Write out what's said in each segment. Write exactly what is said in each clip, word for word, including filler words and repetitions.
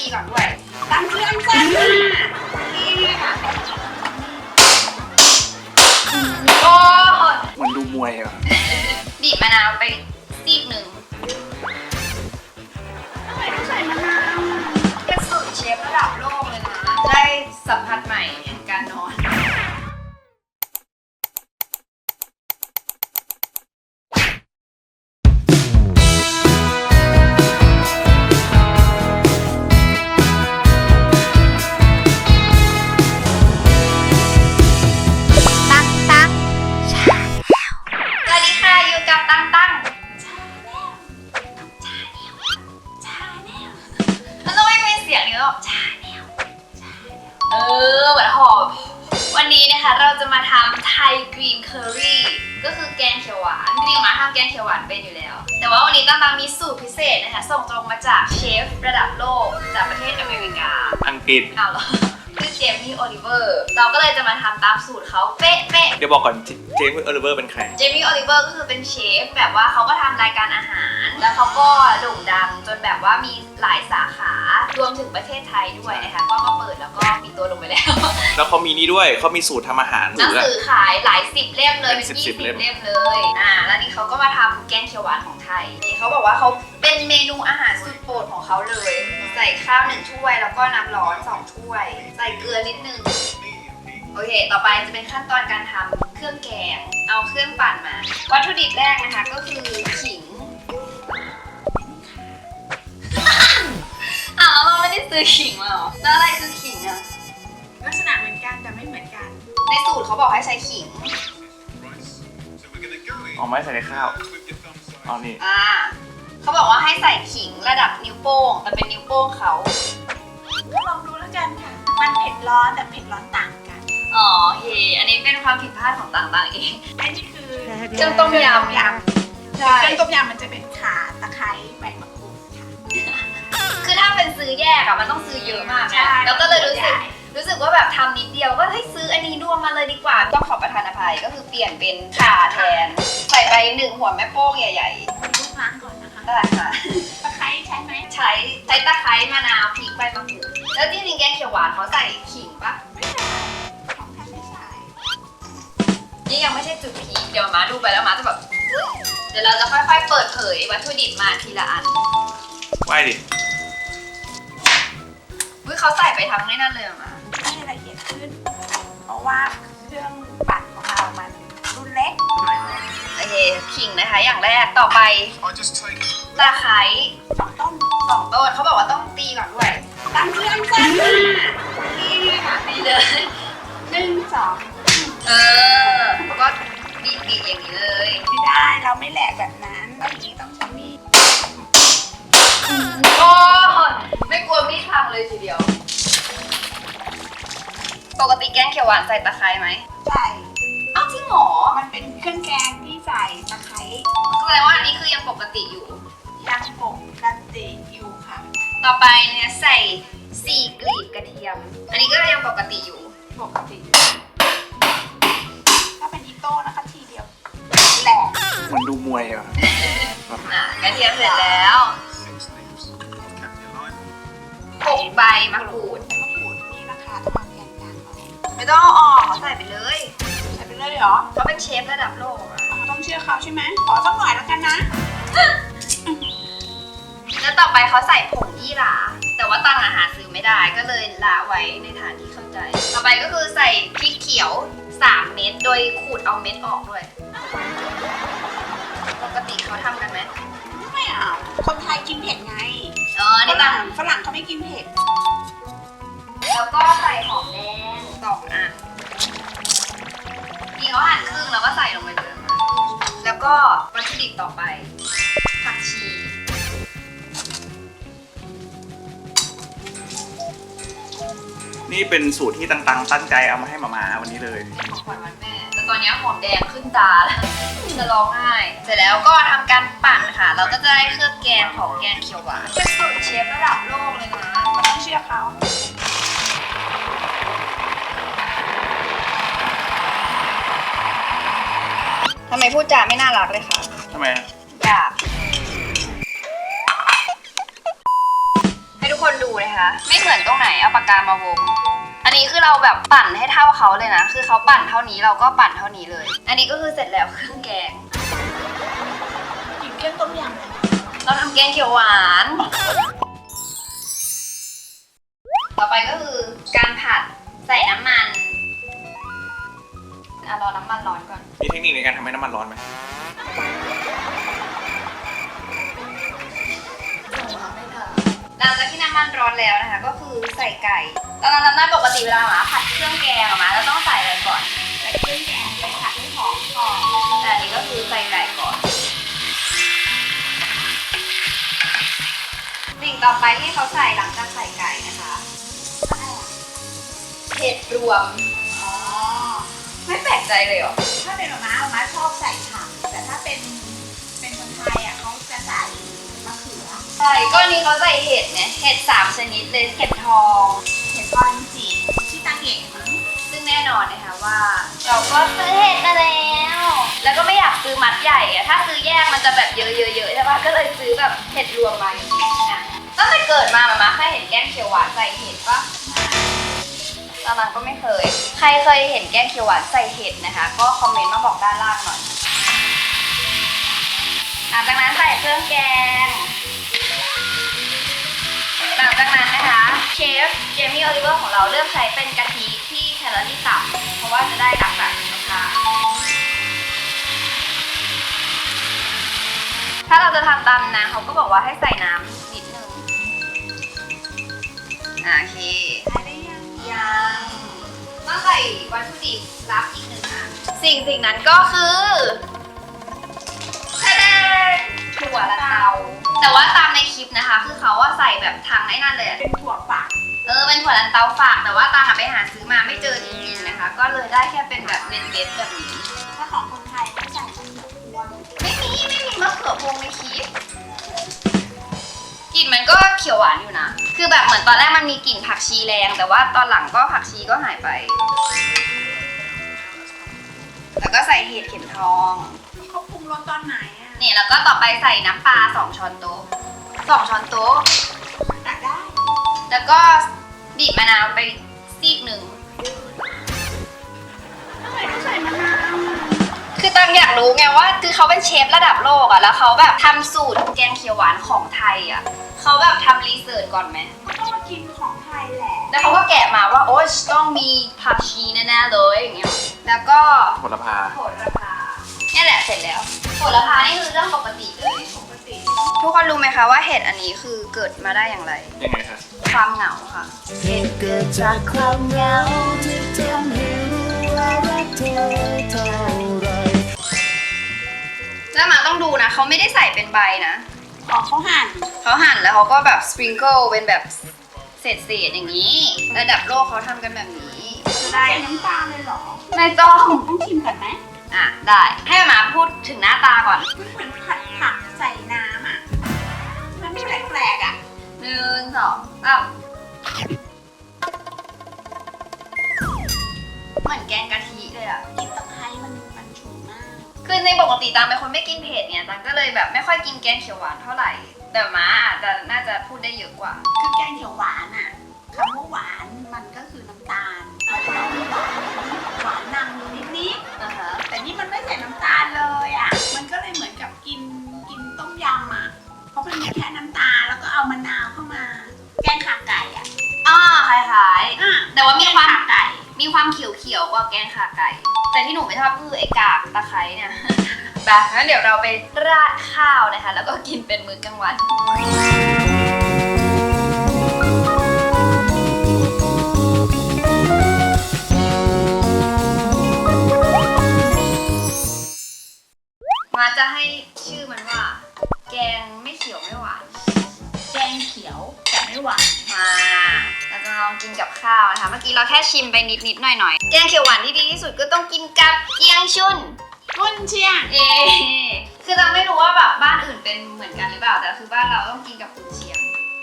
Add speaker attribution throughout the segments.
Speaker 1: ตีก่อนด้วยตั้งเครื่องจ้าโอ้
Speaker 2: เหมือนดูมวยอ่ะ
Speaker 1: บีบมะนาวไปซีกหนึ่งทำไมต้องใส่มะนาวเป็นสูตรเชฟระดับโลกเลยนะได้สัมผัสใหม่แห่งการนอนเออเหมือนหอมวันนี้นะคะเราจะมาทำไทยกรีนเคอรี่ก็คือแกงเขียวหวานจริงๆมาทำแกงเขียวหวานเป็นอยู่แล้วแต่ว่าวันนี้ตั้งๆมีสูตรพิเศษนะคะส่งตรงมาจากเชฟระดับโลกจากประเทศอเมริกา
Speaker 2: อังกฤษ
Speaker 1: เอาเหรอคือเจมี่โอลิเวอร์เราก็เลยจะมาทำตามสูตรเขาเป๊ะๆ
Speaker 2: เดี๋ยวบอกก่อนเจมี่โอลิเวอร์เป็นใคร
Speaker 1: เจมี่โอลิเวอร์ก็คือเป็นเชฟแบบว่าเขาก็ทำรายการอาหารแล้วเขาก็โด่งดังจนแบบว่ามีหลายสาขารวมถึงประเทศไทยด้วยนะคะก็มาเปิดแล้วก็มีตัวลงไปแล้ว
Speaker 2: แล้วเขามีนี่ด้วยเขามีสูตรทำอาหาร
Speaker 1: หนังสือขายหลายสิบเล่มเลยเป็นยี่สิบเล่มเลยอ่าแล้วนี่เขาก็มาทำแกงเขียวหวานของไทยนี่เขาบอกว่าเขาเป็นเมนูอาหารสุดโปรดของเขาเลยใส่ข้าวหนึ่งถ้วยแล้วก็น้ำร้อนสองถ้วยใส่เกลือนิดนึงโอเคต่อไปจะเป็นขั้นตอนการทำเครื่องแกงเอาเครื่องปั่นมาวัตถุดิบแรกนะคะก็คือขิงอ้าวเราไม่ได้ซื้อขิงมาหรอแล้วอะไรคือขิงอะ
Speaker 3: ลักษณะเหมือนกันแต่ไม่เหมือนกัน
Speaker 1: ในสูตรเขาบอกให้ใช้ขิง
Speaker 2: ออกไม้ใส่ในข้าวเอานี่
Speaker 1: อ่าเขาบอกว่าให้ใส่ขิงระดับนิ้วโป้งมันเป็นนิ้วโป้งเขา
Speaker 3: ก็ลองดูแล้วกันค่ะมันเผ็ดร้อนแต่เผ็ดร้อนต่างกัน
Speaker 1: อ๋อโอเคอันนี้เป็นความผิดพลาดของต่างๆเอง
Speaker 3: อันนี้คือ
Speaker 1: เครื่องต้มยำ
Speaker 3: ยำใช่เครื่องต้มยำมันจะเป็นข่าตะไคร้ใบมะกรูดค่ะ
Speaker 1: คือถ้าเป็นซื้อแยกอะมันต้องซื้อเยอะมากนะแล้วก็เลยรู้สึกรู้สึกว่าแบบทำนิดเดียวก็ให้ซื้ออันนี้รวมมาเลยดีกว่าต้องขอประทานอภัยก็คือเปลี่ยนเป็นข่าแทนใส่ไปหนึ่งหัวแม่โป้งใหญ่
Speaker 3: ๆทุกล้างก่อนนะคะ
Speaker 1: ได้ค่ะ
Speaker 3: ตะไคร้ใช้ไหม
Speaker 1: ใช้ใช้ตะไคร้มะนาวพริกใบมะกรูดแล้วจริงๆแกงเขียวหวานเขาใส่ขิงปะ
Speaker 3: ไม่ใส่ของท่านไม่ใส่
Speaker 1: นี่ยังไม่ใช่จุดพีคเดี๋ยวมาดูไปแล้วมาจะแบบเดี๋ยวเราจะค่อยๆเปิดเผยวัตถุดิบมาทีละอัน
Speaker 2: ไหวดิ
Speaker 1: วิเขาใส่ไปทั้งในนั่นเลยมา
Speaker 3: ให้ละเอียดขึ้นเพราะว่าเครื่องปั่นของเรามันรุ่นเล็ก
Speaker 1: โอเคขิงนะคะอย่างแรกต่อไปตะไคร้
Speaker 3: สองต้น
Speaker 1: สองต้นเขาบอกว่าต้องตีก่อนด้วย
Speaker 3: ตั้งเครื่องจ้า
Speaker 1: นี่ค่ะตีเลย
Speaker 3: หนึ่งสอง
Speaker 1: เออแล้วก็บีบบีบอย่างนี้เลย
Speaker 3: ไม่ได้เราไม่แหลกแบบนั้นต้องอย่างนี้ต้องใช้มีด
Speaker 1: โอ้ไม่กลัวมีดพังเลยทีเดียวปกติแกงเขียวหวานใส่ตะไคร้ไหม
Speaker 3: ใส่
Speaker 1: อ้าวจริงหรอ
Speaker 3: มันเป็นเครื่องแกงที่ใส่ตะไคร้
Speaker 1: แสดงว่าอันนี้คือยังปกติอยู่
Speaker 3: ยังปกติอยู่ค่ะ
Speaker 1: ต่อไปเนี่ยใส่สี่กลีบกระเทียมอันนี้ก็ยังปกติอยู่
Speaker 3: ปกติถ้าเป็นอีโต้นะคะทีเดียวแหลก
Speaker 2: เหมือนดูมวยอ่ะ
Speaker 1: อ่ะกระเทียมเสร็จแล้วหกใบมะกรูด
Speaker 3: มะกรูดนี่นะคะต้องมาแกงกลางหน่อย
Speaker 1: ไม่ต้องเอาออกเขาใส่ไปเลย
Speaker 3: ใส่ไปเลยเหรอ
Speaker 1: เขาเป็นเชฟระดับโลกอ่ะ
Speaker 3: ต้องเชื่อเขาใช่ไหมขอสักหน่อยแล้วกันนะ
Speaker 1: แล้วต่อไปเขาใส่ผงยี่หร่าแต่ว่าตังอาหารซื้อไม่ได้ก็เลยละไว้ในฐานที่เข้าใจต่อไปก็คือใส่พริกเขียวสามเม็ดโดยขูดเอาเม็ดออกด้วยปกติเขาทำกันไหม
Speaker 3: ไม่เอาคนไทยกินเผ็ดไง
Speaker 1: อ๋อนี่ต่าง
Speaker 3: ฝรั่งเขาไม่กินเผ็ด
Speaker 1: แล้วก็ใส่หอมแดงสองอันนี่เขาหั่นครึ่งแล้วก็ใส่ลงไปเลยแล้วก็วัตถุดิบต่อไปผักชี
Speaker 2: นี่เป็นสูตรที่ต่างๆตั้งใจเอามาให้หมาๆวันนี้เลย
Speaker 1: ของขวัญวันแม่แต่ตอนนี้หอมแดงขึ้นตาแล้วจะร้องไห้เสร็จแล้วก็ทำการปั่นค่ะเราก็จะได้เครื่องแกงของแกงเขียวหวานเป็นสูตรเชฟระดับโลกเลยนะ
Speaker 3: มันต้องเชื่อเขา
Speaker 1: ทำไมพูดจาไม่น่ารักเลยคะ
Speaker 2: ทำไม
Speaker 1: อยากให้ทุกคนดูนะคะ ไม่เหมือนตรงไหนเอาปากกามาวง อันนี้คือเราแบบปั่นให้เท่าเขาเลยนะ คือเขาปั่นเท่านี้เราก็ปั่นเท่านี้เลย อันนี้ก็คือเสร็จแล้วเครื่องแกง
Speaker 3: กินเครื่องต้มยำ
Speaker 1: เราทำแกงเขียวหวาน ต่อไปก็คือการผัดใส่น้ำมันอ่ะรอน้ำมันร้อนก่อน
Speaker 2: มีเทคนิคในการทำให้น้ำมันร้อนไหม
Speaker 1: หลังจากที่น้ำมันร้อนแล้วนะคะ ก็คือใส่ไก่ ตอนนั้นนั้นปกติเวลาหมาผัดเครื่องแกงอะหมาเราต้องใส่อะไรก่อน
Speaker 3: ใส่เครื่องแกงไปผัดให้หอมก่อน
Speaker 1: แต่อันนี้ก็คือใส่ไก่ก่อน สิ่งต่อไปที่เขาใส่หลังจากใส่ไก่นะคะเห็ดรวม
Speaker 3: อ๋อ
Speaker 1: ไม่แปลกใจเลยเหรอ
Speaker 3: ถ้าเป็นมะม้าม้าชอบใส่ผักแต่ถ้าเป็นเป็นคนไทยอ่ะเขาจะใส่มะเขือ
Speaker 1: ใช่ก็อันนี้เขาใส่เห็ดเนี่ยเห็ดสามชนิดเลยเห็ดทอง
Speaker 3: เห็นพอจริงๆที่ตาเก่งมั้ง
Speaker 1: ซึ่งแน่นอนนะคะว่า เราก็ซื้อเห็ดมาแล้ว แล้วก็ไม่อยากซื้อมัดใหญ่อะถ้าซื้อแยกมันจะแบบเยอะๆๆใช่ปะก็เลยซื้อแบบเห็ดรวมมาอย่างนี้อ่ะตั้งแต่เกิดมามาม่าเคยเห็นแกงเขียวหวานใส่เห็ดปะตอนนั้นก็ไม่เคย ใครเคยเห็นแกงเขียวหวานใส่เห็ดนะคะ ก็คอมเมนต์มาบอกด้านล่างหน่อยหลังจากนั้นใส่เครื่องแกง หลังจากนั้นนะคะเชฟเจมี่โอลิเวอร์ของเราเลือกใช้เป็นกะทิที่แคลอรี่ต่ำเพราะว่าจะได้รักษาสุขภาพถ้าเราจะทำตามนะเขาก็บอกว่าให้ใส่น้ำนิดนึงอ่ะโอเค
Speaker 3: ใส่ได้ยัง
Speaker 1: ยังต้องใส่วัตถุดิบลับอีกหนึ่งอันสิ่งสิ่งนั้นก็คือทะเลถั่วละเตาแต่ว่าตามในคลิปนะคะ คือเขาว่าใส่แบบทางไอ้นั่นเลยอะ
Speaker 3: เป็นถั่วฝัก
Speaker 1: เออเป็นถั่วลันเตาฝากแต่ว่าตาหาไปหาซื้อมาไม่เจอจริงๆนะคะ ก็เลยได้แค่เป็นแบบเม็ดๆแบบนี้
Speaker 3: ถ้าของคนไทยก็ใส่มะเขือพวง
Speaker 1: ไม่มีไม่มีมะเขือพวงในคลิปกลิ่นมันก็เขียวหวานอยู่นะ คือแบบเหมือนตอนแรกมันมีกลิ่นผักชีแรงแต่ว่าตอนหลังก็ผักชีก็หายไป แล้วก็ใส่เห็ดเข็มทอง
Speaker 3: เขาปรุงรสตอนไหนอ่ะ
Speaker 1: นี่แล้วก็ต่อไปใส่น้ำปลาสองช้อนโต๊ะสองช้อนโต๊ะ
Speaker 3: ตักได้
Speaker 1: แล้วก็บีบมะนาวไปซีกหนึ่ง
Speaker 3: ทำไมต้องใส่มะนาวอ่ะ
Speaker 1: คือตังอยากรู้ไงว่าคือเขาเป็นเชฟระดับโลกอะแล้วเขาแบบทำสูตรแกงเขียวหวานของไทยอะเขาแบบทำรีเสิร์ชก่อนไหม
Speaker 3: เขาก็มากินของไทยแหละ
Speaker 1: แล้วเขาก็แกะมาว่าโอ๊ยต้องมีผักชีแน่ๆเลยอย่างเงี้ยแล้วก็
Speaker 2: โหระพา
Speaker 1: โหระพาเนี่ยแหละเสร็จแล้วโหระพานี่คือเรื่องปกติเลย
Speaker 3: ปกติ
Speaker 1: ทุกคนรู้ไหมคะว่าเห็ดอันนี้คือเกิดมาได้อย่างไร
Speaker 2: ยังไงคะ
Speaker 1: ความเหงาค่ะ
Speaker 4: เหตุเกิดจากความเหงาที่ทำให้รู้ว่ารักเธอเท่าไร
Speaker 1: แล้วหมาต้องดูนะเขาไม่ได้ใส่เป็นใบนะ
Speaker 3: อ๋อเขาหั่น
Speaker 1: เขาหั่นแล้วเขาก็แบบสปริงเกิลเป็นแบบเศษๆอย่างนี้ ระดับโลกเขาทำกันแบบนี้
Speaker 3: จะได้น้ำตาลเลยเหรอ
Speaker 1: ไม่ต้อง
Speaker 3: ต้องชิมก่อนไหม
Speaker 1: อ่ะได้ให้หมาพูดถึงหน้าตาก่อน
Speaker 3: มันเหมือนผัดผักใส่น้ำอ่ะ มันไม่แปลกๆอ่ะ
Speaker 1: หนึ่งสองสามเหมือนแกงกะทิเลยอ่ะ
Speaker 3: กินตะไคร้มันมันฉุนมาก
Speaker 1: คือในปกติตามเป็นคนไม่กินเผ็ดเนี่ยตังก็เลยแบบไม่ค่อยกินแกงเขียวหวานเท่าไหร่ แต่หมาอาจจะน่าจะพูดได้เยอะกว่า
Speaker 3: คือแกงเขียวหวานอ่ะคำว่าหวานมันก็คือน้ำตาลมันจะต้องมีหวานหวานนำอยู่นิด
Speaker 1: อ่าฮะ
Speaker 3: ๆแต่นี่มันไม่ใส่น้ำตาลเลยอ่ะ มันก็เลยเหมือนกับกินกินต้มยำอ่ะ เพราะมันมีแค่น้ำตาลแล้วก็เอามะนาวเข้ามา แกงขาไก่อ่ะ
Speaker 1: อ่าคล้ายๆ
Speaker 3: อ่ะ
Speaker 1: แต่ว่ามีความ
Speaker 3: แกงขาไก่
Speaker 1: มีความเขียวๆกว่าแกงขาไก่ แต่ที่หนูไม่ชอบคือไอ้กากตะไคร้เนี่ย แบบงั้นเดี๋ยวเราไปราดข้าวนะคะ แล้วก็กินเป็นมื้อกลางวัน มาจะให้ชื่อมันว่า แกงไม่เขียวไม่หวาน
Speaker 3: แกงเขียวแต่ไม่หวาน
Speaker 1: มาเราจะลองกินกับข้าวนะคะ เมื่อกี้เราแค่ชิมไปนิดๆหน่อยๆ แกงเขียวหวานที่ดีที่สุดก็ต้องกินกับเกี๊ยงชุน
Speaker 3: รุ่นเชียง
Speaker 1: เอคือเราไม่รู้ว่าแบบบ้านอื่นเป็นเหมือนกันหรือเปล่า แต่คือบ้านเราต้องกินกับกุนเชียง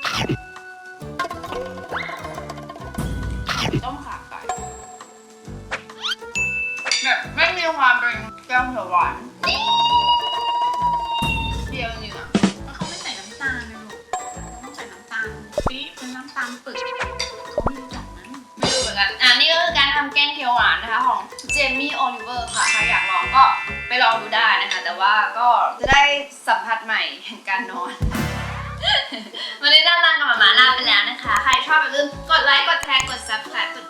Speaker 3: ต้มขาไก่
Speaker 1: แบบไม่มีความเป็นแกงเขียวหวานเดียวจริงอ่ะ
Speaker 3: แล้วเขาไม่ใส่น้ำตาลนะลูกต้องใส่น้ำตาลปี๊บเป็นน้ำตาลำปึกเขาไม่รู้จักมั้ง
Speaker 1: ไม่รู้เหมือนกันอ่ะนี่ก็คือการทำแกงเขียวหวานนะคะของเจมี่โอลิเวอร์ค่ะใครอยากลองก็ไปลองดูได้นะคะ แต่ว่าก็จะได้สัมผัสใหม่แห่งการนอน วันนี้ด้านล่างกับหมามาลาไปแล้วนะคะ ใครชอบอย่าลืมกดไลค์ กดแชร์ กด ซับสไครบ์ กด